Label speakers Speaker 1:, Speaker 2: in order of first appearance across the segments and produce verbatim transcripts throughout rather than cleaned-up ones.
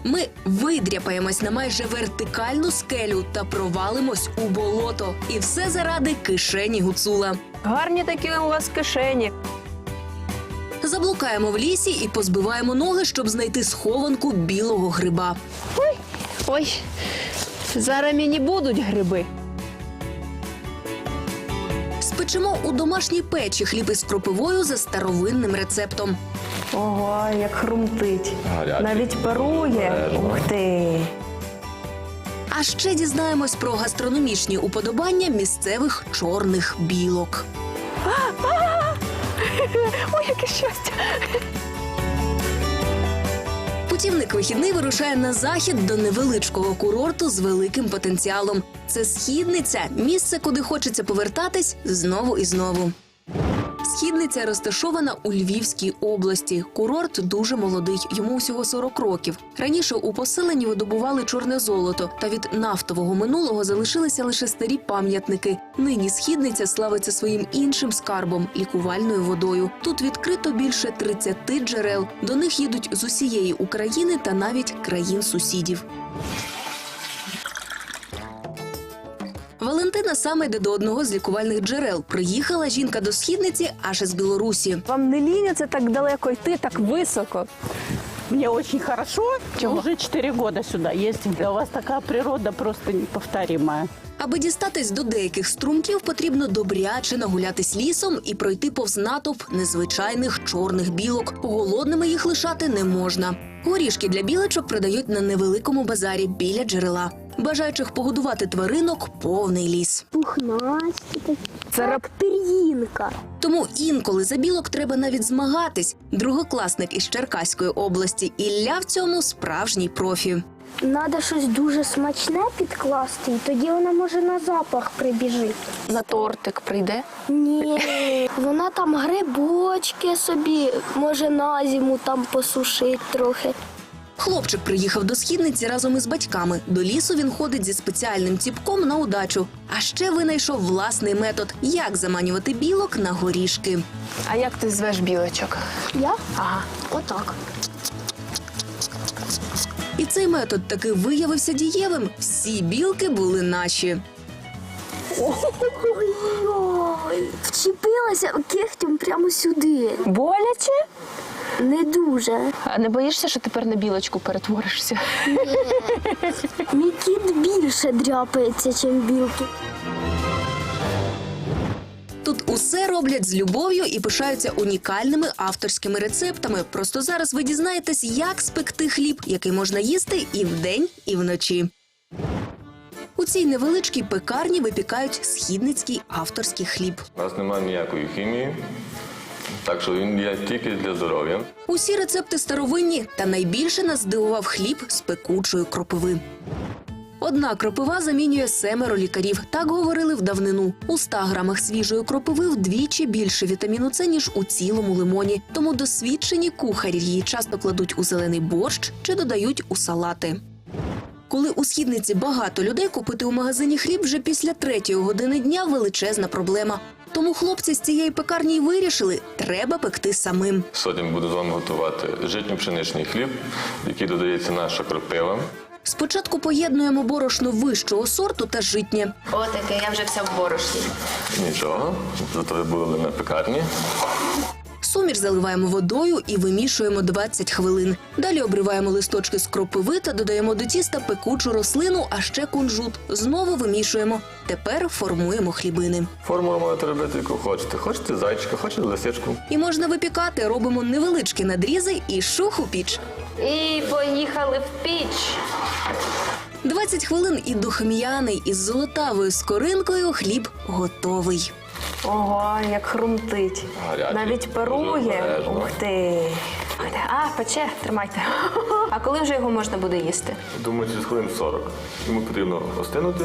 Speaker 1: Ми видряпаємось на майже вертикальну скелю та провалимось у болото. І все заради кишені гуцула.
Speaker 2: Гарні такі у вас кишені.
Speaker 1: Заблукаємо в лісі і позбиваємо ноги, щоб знайти схованку білого гриба.
Speaker 2: Ой, зараз мені будуть гриби.
Speaker 1: Спечемо у домашній печі хліб із кропивою за старовинним рецептом.
Speaker 2: Ого, як хрумтить.
Speaker 3: Гарячий.
Speaker 2: Навіть парує.
Speaker 3: Обережно.
Speaker 2: Ух ти.
Speaker 1: А ще дізнаємось про гастрономічні уподобання місцевих чорних білок.
Speaker 2: Ой, яке щастя.
Speaker 1: Путівник вихідний вирушає на захід до невеличкого курорту з великим потенціалом. Це Східниця – місце, куди хочеться повертатись знову і знову. Східниця розташована у Львівській області. Курорт дуже молодий, йому всього сорок років. Раніше у поселенні видобували чорне золото, та від нафтового минулого залишилися лише старі пам'ятники. Нині Східниця славиться своїм іншим скарбом – лікувальною водою. Тут відкрито більше тридцяти джерел. До них їдуть з усієї України та навіть країн-сусідів. Валентина саме йде до одного з лікувальних джерел. Приїхала жінка до Східниці аж із Білорусі.
Speaker 2: Вам не ліняться так далеко йти, так високо?
Speaker 4: Мне очень хорошо.
Speaker 2: Чего?
Speaker 4: Уже четыре года сюда ездим. У вас такая природа просто неповторимая.
Speaker 1: Аби дістатись до деяких струмків, потрібно добряче нагулятись лісом і пройти повз натовп незвичайних чорних білок. Голодними їх лишати не можна. Горішки для білочок продають на невеликому базарі біля джерела. Бажаючих погодувати тваринок – повний ліс.
Speaker 5: Пухнасті такі.
Speaker 2: Це рап...
Speaker 5: Пір'їнка.
Speaker 1: Тому інколи за білок треба навіть змагатись. Другокласник із Черкаської області Ілля в цьому справжній профі.
Speaker 5: Надо щось дуже смачне підкласти, і тоді вона може на запах прибіжить.
Speaker 2: На тортик прийде?
Speaker 5: Ні, вона там грибочки собі, може на зиму там посушить трохи.
Speaker 1: Хлопчик приїхав до Східниці разом із батьками. До лісу він ходить зі спеціальним ціпком на удачу. А ще винайшов власний метод – як заманювати білок на горішки.
Speaker 2: А як ти звеш білочок?
Speaker 5: Я?
Speaker 2: Ага.
Speaker 5: Отак.
Speaker 1: І цей метод таки виявився дієвим. Всі білки були наші.
Speaker 5: Ой-ой, вчепилася кихтем прямо сюди.
Speaker 2: Боляче?
Speaker 5: Не дуже.
Speaker 2: А не боїшся, що тепер на білочку перетворишся?
Speaker 5: Мій кіт більше дряпається, ніж білки.
Speaker 1: Тут усе роблять з любов'ю і пишаються унікальними авторськими рецептами. Просто зараз ви дізнаєтесь, як спекти хліб, який можна їсти і вдень, і вночі. У цій невеличкій пекарні випікають східницький авторський хліб.
Speaker 3: У нас немає ніякої хімії, так що він є тільки для здоров'я.
Speaker 1: Усі рецепти старовинні, та найбільше нас здивував хліб з пекучої кропиви. Одна кропива замінює семеро лікарів. Так говорили в давнину. У ста грамах свіжої кропиви вдвічі більше вітаміну С, ніж у цілому лимоні. Тому досвідчені кухарі її часто кладуть у зелений борщ чи додають у салати. Коли у Східниці багато людей, купити у магазині хліб вже після третьої години дня – величезна проблема. Тому хлопці з цієї пекарні й вирішили – треба пекти самим.
Speaker 3: Сьогодні буду з вами готувати житньо-пшеничний хліб, в який додається наша кропива.
Speaker 1: Спочатку поєднуємо борошно вищого сорту та житнє.
Speaker 2: Отаке, я вже вся в борошні.
Speaker 3: Нічого, зато ви були на пекарні.
Speaker 1: Суміш заливаємо водою і вимішуємо двадцять хвилин. Далі обриваємо листочки з кропиви та додаємо до тіста пекучу рослину, а ще кунжут. Знову вимішуємо. Тепер формуємо хлібини.
Speaker 3: Формулу можете робити, яку хочете. Хочете зайчика, хочете лисичку.
Speaker 1: І можна випікати. Робимо невеличкі надрізи і шух у піч.
Speaker 2: І поїхали в піч.
Speaker 1: двадцять хвилин і духм'яний із золотавою скоринкою хліб готовий.
Speaker 2: Ого, як хрумтить.
Speaker 3: Гарячий.
Speaker 2: Навіть
Speaker 3: Дуже
Speaker 2: парує.
Speaker 3: обережно.
Speaker 2: Ух ти. А, пече, тримайте. А коли вже його можна буде їсти?
Speaker 3: Думаю, через хвилин сорок. Йому потрібно остинути.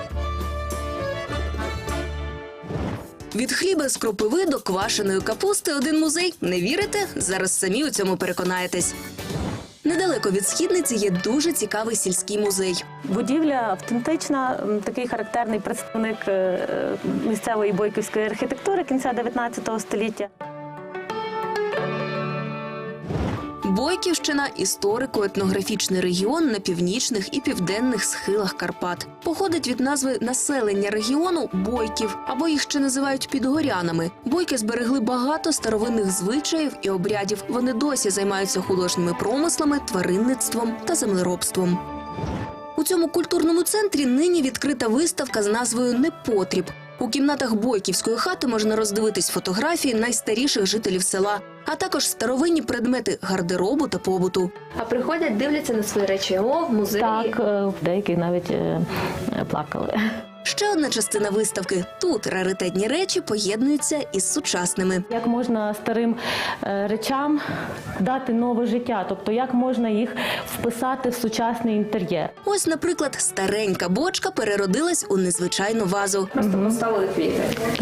Speaker 1: Від хліба з кропиви до квашеної капусти один музей. Не вірите? Зараз самі у цьому переконаєтесь. Недалеко від Східниці є дуже цікавий сільський музей.
Speaker 4: Будівля автентична, м, такий характерний представник е, місцевої бойківської архітектури кінця дев'ятнадцятого століття.
Speaker 1: Бойківщина – історико-етнографічний регіон на північних і південних схилах Карпат. Походить від назви населення регіону – бойків, або їх ще називають підгорянами. Бойки зберегли багато старовинних звичаїв і обрядів. Вони досі займаються художніми промислами, тваринництвом та землеробством. У цьому культурному центрі нині відкрита виставка з назвою «Непотріб». У кімнатах Бойківської хати можна роздивитись фотографії найстаріших жителів села, а також старовинні предмети гардеробу та побуту.
Speaker 2: А приходять, дивляться на свої речі. О, в музеї.
Speaker 4: Так, е, деякі навіть е, плакали.
Speaker 1: Ще одна частина виставки. Тут раритетні речі поєднуються із сучасними.
Speaker 4: Як можна старим е, речам дати нове життя, тобто як можна їх вписати в сучасний інтер'єр.
Speaker 1: Ось, наприклад, старенька бочка переродилась у незвичайну вазу.
Speaker 2: Просто поставили квіти.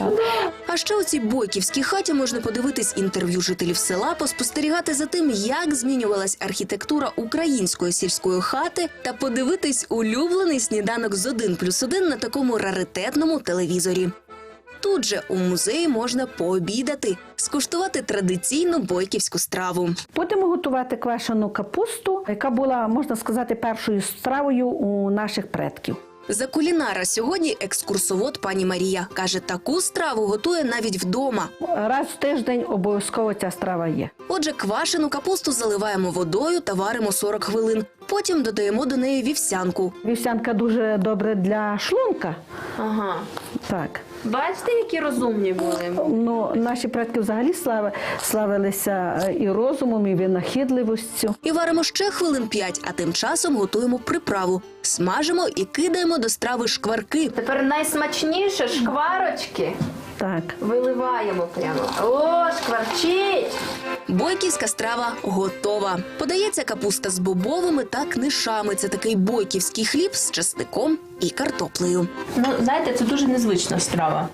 Speaker 1: А ще у цій бойківській хаті можна подивитись інтерв'ю жителів села, поспостерігати за тим, як змінювалась архітектура української сільської хати та подивитись улюблений сніданок з один плюс один на такому раритетному телевізорі. Тут же у музеї можна пообідати, скуштувати традиційну бойківську страву.
Speaker 6: Будемо готувати квашену капусту, яка була, можна сказати, першою стравою у наших предків.
Speaker 1: За кулінара сьогодні екскурсовод пані Марія. Каже, таку страву готує навіть вдома.
Speaker 6: Раз в тиждень обов'язково ця страва є.
Speaker 1: Отже, квашену капусту заливаємо водою та варимо сорок хвилин. Потім додаємо до неї вівсянку.
Speaker 6: Вівсянка дуже добре для шлунка.
Speaker 2: Ага.
Speaker 6: Так.
Speaker 2: Бачите, які розумні були?
Speaker 6: Ну, наші предки взагалі слави, славилися і розумом, і винахідливістю.
Speaker 1: І варимо ще хвилин п'ять, а тим часом готуємо приправу. Смажимо і кидаємо до страви шкварки.
Speaker 2: Тепер найсмачніше шкварочки
Speaker 6: Так.
Speaker 2: виливаємо прямо. О, шкварчить!
Speaker 1: Бойківська страва готова. Подається капуста з бобовими та книшами. Це такий бойківський хліб з часником і картоплею.
Speaker 2: Ну, знаєте, це дуже незвична страва.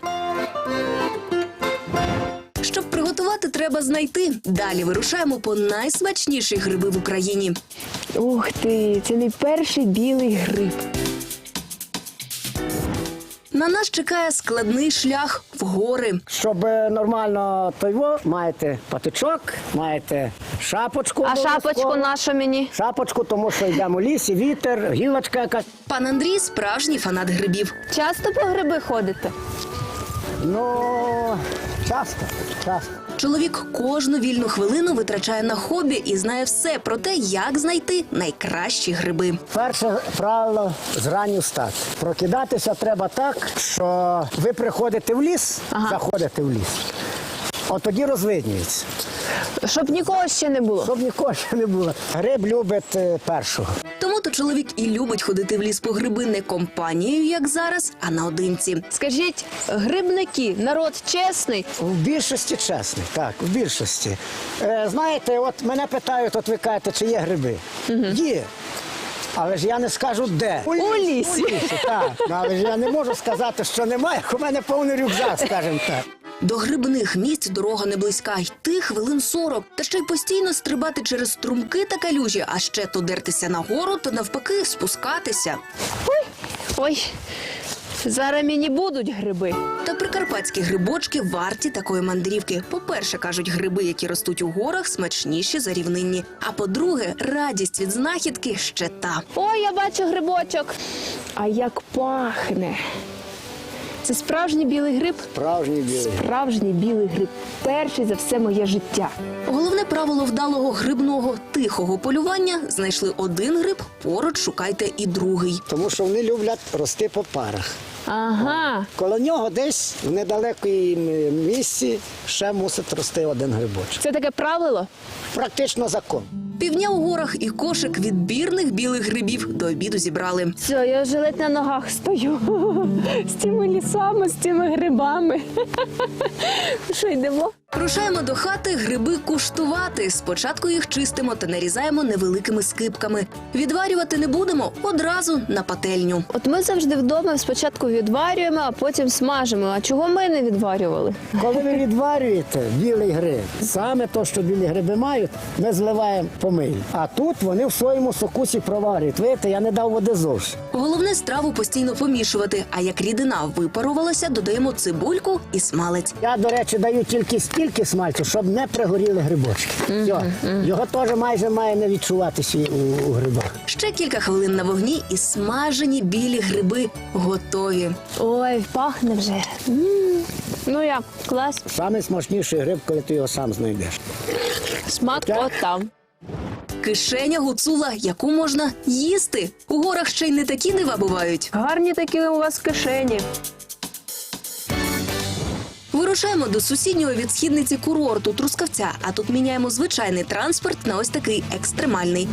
Speaker 1: Щоб приготувати, треба знайти. Далі вирушаємо по найсмачніші гриби в Україні.
Speaker 2: Ух ти, це мій перший білий гриб.
Speaker 1: На нас чекає складний шлях в гори.
Speaker 7: Щоб нормально тойво, маєте патичок, маєте шапочку.
Speaker 2: А
Speaker 7: обов'язково.
Speaker 2: шапочку нашу мені?
Speaker 7: Шапочку, тому що йдемо в лісі, вітер, гілочка якась.
Speaker 1: Пан Андрій – справжній фанат грибів.
Speaker 2: Часто по гриби ходите?
Speaker 7: Ну, часто, часто.
Speaker 1: Чоловік кожну вільну хвилину витрачає на хобі і знає все про те, як знайти найкращі гриби.
Speaker 7: Перше правило – зранню встати. Прокидатися треба так, що ви приходите в ліс,
Speaker 2: Ага.
Speaker 7: заходите в ліс. От тоді розвиднюється.
Speaker 2: Щоб нікого ще не було.
Speaker 7: Щоб нікого ще не було. Гриб любить е, першого.
Speaker 1: Тому-то чоловік і любить ходити в ліс по гриби не компанією, як зараз, а наодинці.
Speaker 2: Скажіть, грибники, народ чесний?
Speaker 7: В більшості чесний, так, в більшості. Е, знаєте, от мене питають, от ви кажете, чи є гриби. Є. Але ж я не скажу, де. У
Speaker 2: лісі.
Speaker 7: У лісі, так. Ну, але ж я не можу сказати, що немає, як у мене повний рюкзак, скажімо так.
Speaker 1: До грибних місць дорога не близька, йти хвилин сорок. Та ще й постійно стрибати через струмки та калюжі, а ще то дертися нагору, то навпаки спускатися.
Speaker 2: Ой, зараз мені будуть гриби.
Speaker 1: Та прикарпатські грибочки варті такої мандрівки. По-перше, кажуть, гриби, які ростуть у горах, смачніші за рівнинні. А по-друге, радість від знахідки ще та.
Speaker 2: Ой, я бачу грибочок. А як пахне. Це справжній білий гриб?
Speaker 7: Справжній білий.
Speaker 2: Справжній білий гриб. Перший за все моє життя.
Speaker 1: Головне правило вдалого грибного тихого полювання – знайшли один гриб, поруч шукайте і другий.
Speaker 7: Тому що вони люблять рости по парах.
Speaker 2: Ага.
Speaker 7: Коло нього десь в недалекій місці ще мусить рости один грибочок.
Speaker 2: Це таке правило?
Speaker 7: Практично закон.
Speaker 1: Півдня у горах і кошик відбірних білих грибів до обіду зібрали.
Speaker 2: Все, я вже ледь на ногах стою. З цими лісами, з цими грибами. Що, йдемо?
Speaker 1: Рушаємо до хати гриби куштувати. Спочатку їх чистимо та нарізаємо невеликими скибками. Відварювати не будемо, одразу на пательню.
Speaker 2: От ми завжди вдома спочатку відварюємо, а потім смажимо. А чого ми не відварювали?
Speaker 7: Коли ви відварюєте білий гриб, саме то, що білі гриби мають, ми зливаємо помий. А тут вони в своєму сокусі проварюють. Видите, я не дав води зовсім.
Speaker 1: Головне страву постійно помішувати, а як рідина випарувалася, додаємо цибульку і смалець.
Speaker 7: Я, до речі, даю тільки стільки, скільки смальцю, щоб не пригоріли грибочки. Все. Його теж майже має не відчуватися у, у грибах.
Speaker 1: Ще кілька хвилин на вогні і смажені білі гриби готові.
Speaker 2: Ой, пахне вже. М. Ну як, клас.
Speaker 7: Саме смачніший гриб, коли ти його сам знайдеш.
Speaker 2: Смак
Speaker 7: Так.
Speaker 2: от там.
Speaker 1: Кишеня гуцула, яку можна їсти. У горах ще й не такі дива бувають.
Speaker 2: Гарні такі у вас кишені.
Speaker 1: Вирушаємо до сусіднього від східниці курорту Трускавця, а тут міняємо звичайний транспорт на ось такий екстремальний.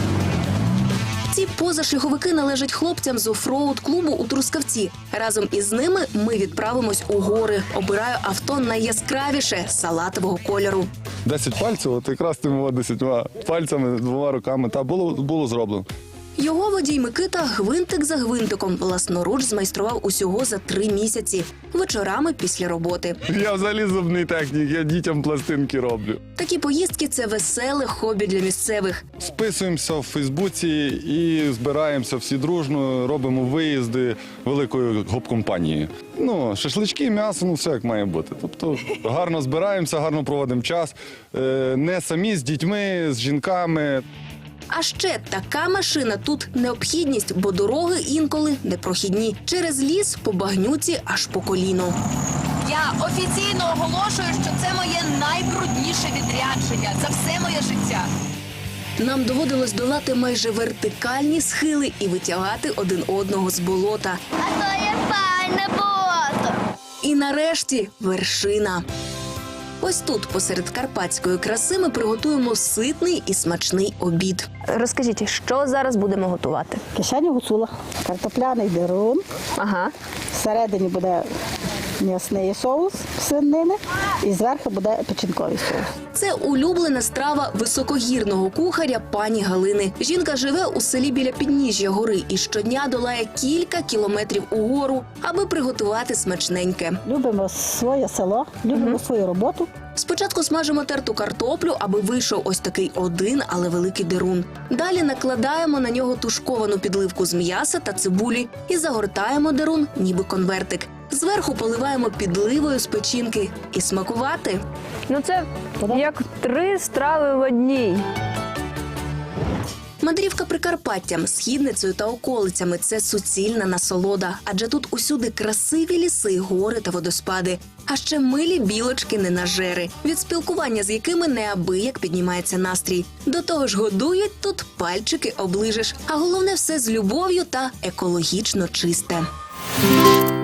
Speaker 1: Ці позашляховики належать хлопцям з офроуд-клубу у Трускавці. Разом із ними ми відправимось у гори. Обираю авто найяскравіше – салатового кольору.
Speaker 8: Десять пальців, от якраз тими десятьма пальцями, двома руками, та було, було зроблено.
Speaker 1: Його водій Микита гвинтик за гвинтиком власноруч змайстрував усього за три місяці. Вечорами після роботи.
Speaker 8: Я взагалі зубний технік, я дітям пластинки роблю.
Speaker 1: Такі поїздки – це веселе хобі для місцевих.
Speaker 8: Списуємося в Фейсбуці і збираємося всі дружно, робимо виїзди великої гоп-компанії. Ну, шашлички, м'ясо, ну все як має бути. Тобто гарно збираємося, гарно проводимо час. Е, Не самі, з дітьми, з жінками.
Speaker 1: А ще така машина тут необхідність, бо дороги інколи непрохідні. Через ліс по багнюці аж по коліно.
Speaker 9: Я офіційно оголошую, що це моє найбрудніше відрядження за все моє життя.
Speaker 1: Нам доводилось долати майже вертикальні схили і витягати один одного з болота.
Speaker 5: А то є файне болото.
Speaker 1: І нарешті вершина. Ось тут, посеред карпатської краси, ми приготуємо ситний і смачний обід.
Speaker 2: Розкажіть, що зараз будемо готувати?
Speaker 6: Кишеня гуцула, картопляний дерун,
Speaker 2: Ага.
Speaker 6: всередині буде м'ясний соус свинини і зверху буде печінковий соус.
Speaker 1: Це улюблена страва високогірного кухаря пані Галини. Жінка живе у селі біля підніжжя гори і щодня долає кілька кілометрів угору, аби приготувати смачненьке.
Speaker 6: Любимо своє село, любимо свою роботу.
Speaker 1: Спочатку смажимо терту картоплю, аби вийшов ось такий один, але великий дерун. Далі накладаємо на нього тушковану підливку з м'яса та цибулі і загортаємо дерун, ніби конвертик. Зверху поливаємо підливою з печінки і смакувати.
Speaker 2: Ну це як три страви в одній.
Speaker 1: Мандрівка Прикарпаттям, Східницею та околицями – це суцільна насолода, адже тут усюди красиві ліси, гори та водоспади, а ще милі білочки-ненажери, від спілкування з якими неабияк піднімається настрій. До того ж годують тут пальчики оближеш, а головне все з любов'ю та екологічно чисте.